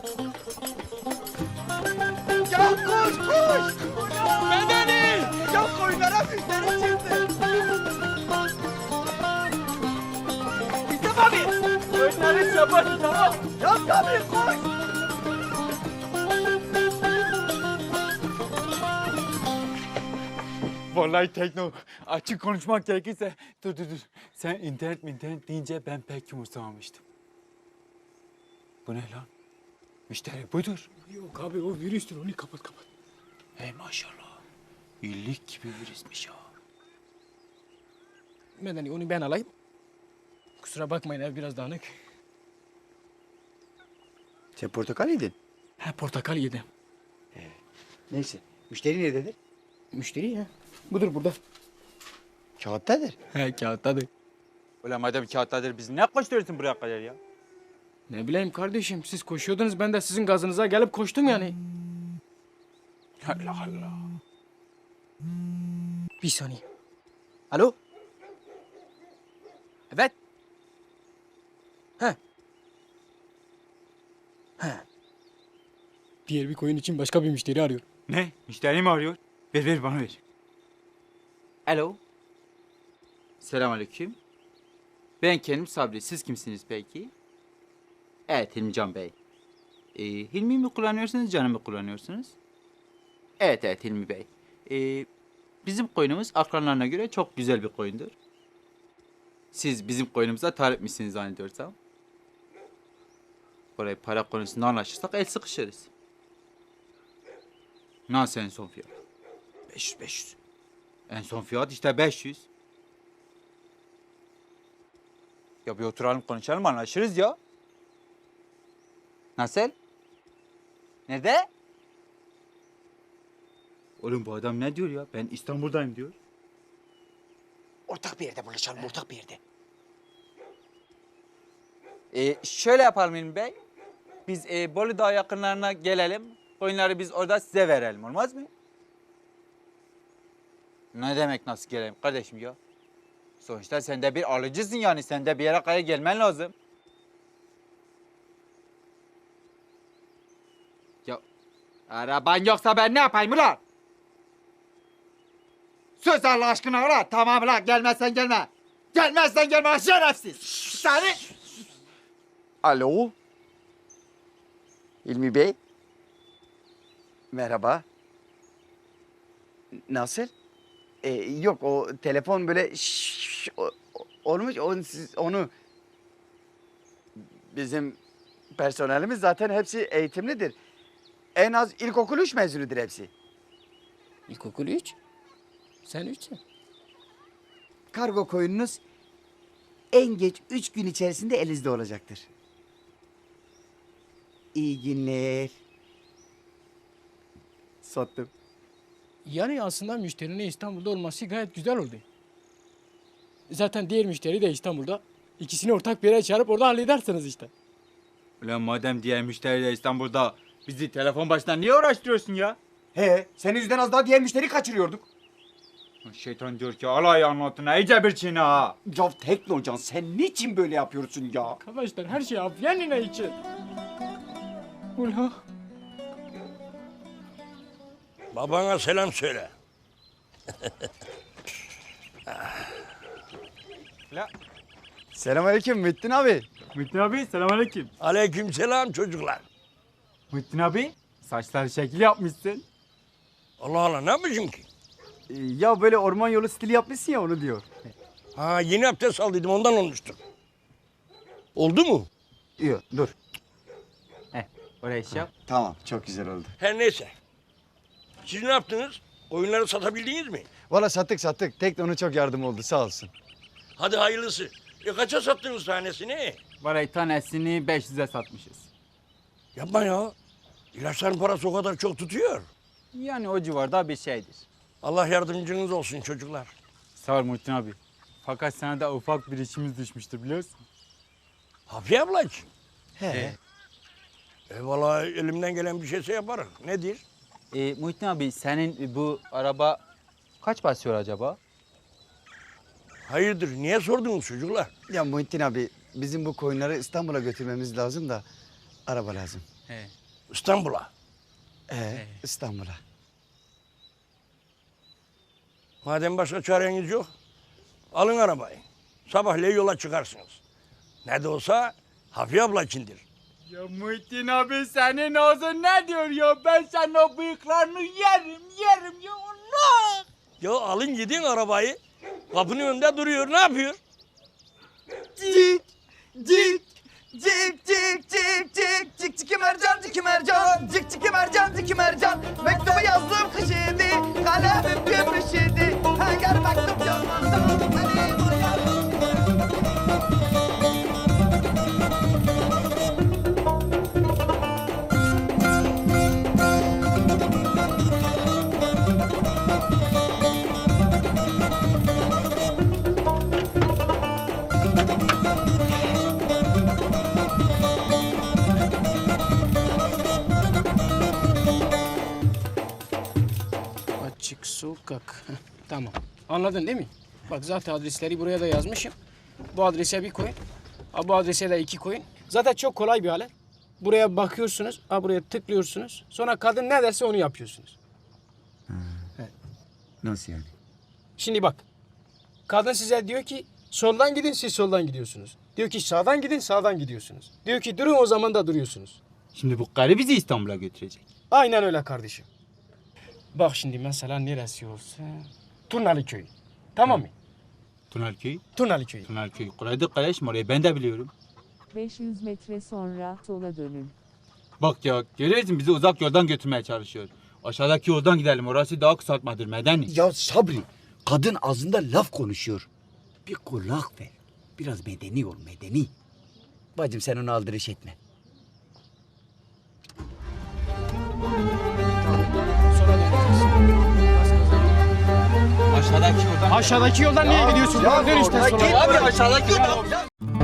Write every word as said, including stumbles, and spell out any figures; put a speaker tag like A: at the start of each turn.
A: Ya koş koş! Medeni! Ya koyunlara müşteri çıktı. İstem abi! Koyunları şapat tamam. Ya tabii koş!
B: Vallahi Tekno, açık konuşmak gerekirse... Dur dur dur. Sen internet mi internet deyince ben pek umursamamıştım. Bu ne lan? Müşteri budur.
C: Yok abi o virüstür onu kapat kapat.
B: Hey maşallah. İllik gibi virüsmüş ha.
C: Medeni onu ben alayım. Kusura bakmayın ev biraz dağınık.
A: Sen portakal yedin.
C: Ha portakal yedim.
A: Neyse. Müşteri nerededir?
C: Müşteri ya. Budur burada.
A: Kağıttadır.
C: He kağıttadır.
B: Ulan madem kağıttadır biz ne koşturuyorsun buraya kadar ya?
C: Ne bileyim kardeşim siz koşuyordunuz ben de sizin gazınıza gelip koştum yani.
B: Allah Allah.
C: Bir saniye. Alo? Evet. He. He. Diğer bir koyun için başka bir müşteri arıyor.
B: Ne? Müşteri mi arıyor? Ver ver bana ver. Alo. Selamünaleyküm. Ben kendim Sabri. Siz kimsiniz peki? Evet Hilmican Bey. Ee, Hilmi mi kullanıyorsunuz, Can'ı mı kullanıyorsunuz? Evet evet Hilmi Bey. Ee, bizim koyunumuz akranlarına göre çok güzel bir koyundur. Siz bizim koyunumuza talip misiniz zannediyorsam? Orayı para konusunda anlaşırsak el sıkışırız. Nasıl en son fiyat? beş yüz beş yüz. En son fiyat işte beş yüz. Ya bir oturalım konuşalım anlaşırız ya. Nasıl? Nerede? Oğlum bu adam ne diyor ya? Ben İstanbul'dayım diyor.
A: Ortak bir yerde buluşalım, ortak bir yerde.
B: Ee, şöyle yapalım İlmi Bey. Biz e, Bolu Dağı yakınlarına gelelim. Koyunları biz orada size verelim. Olmaz mı? Ne demek nasıl gelelim kardeşim ya? Sonuçta sen de bir alıcısın yani. Sen de bir yere kadar gelmen lazım. Ya araban yoksa ben ne yapayım ulan? Sus Allah aşkına ulan. Tamam ulan gelmezsen gelme. Gelmezsen gelme lan şerefsiz. Seni...
A: Alo. İlmi Bey. Merhaba. Nasıl? Ee, yok o telefon böyle şşş, o- o- olmuş onu, siz, onu bizim personelimiz zaten hepsi eğitimlidir. En az ilkokul üç mezunudur hepsi.
C: İlkokul üç. Sen üçsün.
A: Kargo koyununuz en geç üç gün içerisinde elinizde olacaktır. İyi günler. Sattım.
C: Yani aslında müşterinin İstanbul'da olması gayet güzel oldu. Zaten diğer müşteri de İstanbul'da. İkisini ortak bir yere çağırıp orada halledersiniz işte.
B: Ulan madem diğer müşteri de İstanbul'da bizi telefon başından niye uğraştırıyorsun ya?
A: He, senin yüzünden az daha diğer müşteri kaçırıyorduk.
B: Şeytan diyor ki alay anlatına iyice bir çiğne ha.
A: Ya Teknocan sen niçin böyle yapıyorsun ya?
C: Arkadaşlar her şey Afyanina için. Ula.
D: Babana selam söyle.
B: La,
A: Selamünaleyküm Muhittin abi.
B: Muhittin abi selamünaleyküm.
D: Aleyküm selam çocuklar.
B: Muhittin abi saçları şekil yapmışsın.
D: Allah Allah ne yapmışım ki?
A: Ee, ya böyle orman yolu stili yapmışsın ya onu diyor.
D: Ha yeni abdest aldıydım ondan olmuştur. Oldu mu?
A: Yok dur.
B: Heh oraya iş yap.
A: Tamam çok güzel oldu.
D: Her neyse. Siz ne yaptınız? Oyunları satabildiniz mi?
A: Valla sattık sattık. Tekno'nun çok yardım oldu sağ olsun.
D: Hadi hayırlısı. E kaça sattınız tanesini?
B: Varayı tanesini beş yüze satmışız.
D: Yapma ya. İlaçların parası o kadar çok tutuyor.
B: Yani o civarda bir şeydir.
D: Allah yardımcınız olsun çocuklar.
B: Sağ ol Muhittin abi. Fakat sana da ufak bir işimiz düşmüştür biliyorsun.
D: Hafiye ablacığım.
A: He.
D: E vallahi elimden gelen bir şeyse yaparım. Nedir?
B: Ee, Muhittin abi senin bu araba kaç basıyor acaba?
D: Hayırdır niye sordunuz çocuklar?
A: Ya Muhittin abi bizim bu koyunları İstanbul'a götürmemiz lazım da araba lazım.
C: He.
D: İstanbul'a.
A: Ee, İstanbul'a.
D: Madem başka çareniz yok, alın arabayı. Sabahleyin yola çıkarsınız. Ne de olsa Hafiye abla içindir.
B: Ya Muhittin abi senin ağzın ne diyor ya? Ben senin o bıyıklarını yerim yerim ya Allah.
D: Ya alın gidin arabayı. Kapının önünde duruyor. Ne yapıyor?
A: Cik, cik, cik, cik, cik, cik, cik, cik, mercan, cik, mercan, cik, cik, mercan, cik, mercan. Mektubu yazdım kış idi, kalemim gümüş idi. Hangar mektup yazmazsam, benim o yarım.
C: Açık sokak. Heh, tamam. Anladın değil mi? Bak zaten adresleri buraya da yazmışım. Bu adrese bir koyun. Ha, bu adrese de iki koyun. Zaten çok kolay bir alet. Buraya bakıyorsunuz. Ha, buraya tıklıyorsunuz. Sonra kadın ne derse onu yapıyorsunuz.
A: Nasıl yani?
C: Şimdi bak. Kadın size diyor ki soldan gidin, siz soldan gidiyorsunuz. Diyor ki sağdan gidin, sağdan gidiyorsunuz. Diyor ki durun, o zaman da duruyorsunuz.
B: Şimdi bu karı bizi İstanbul'a götürecek.
C: Aynen öyle kardeşim. Bak şimdi mesela neresi olsa Turnalı Köyü. Tamam mı?
B: Tunarköy.
C: Turnalı Köyü.
B: Tunarköy. Kolaydır kardeşim, orayı ben de biliyorum.
E: beş yüz metre sonra sola dönün.
B: Bak ya görüyorsun bizi uzak yoldan götürmeye çalışıyor. Aşağıdaki yoldan gidelim, orası daha kısaltmadır medeni.
A: Ya Sabri, kadın ağzında laf konuşuyor. Bir kulak ver. Biraz medeni ol, medeni. Bacım sen onu aldırış etme.
C: Sonra döneceğiz.
B: Aşağıdaki yoldan.
C: Aşağıdaki yoldan niye gidiyorsun? Dön işte sola.
B: Abi aşağıdaki yoldan.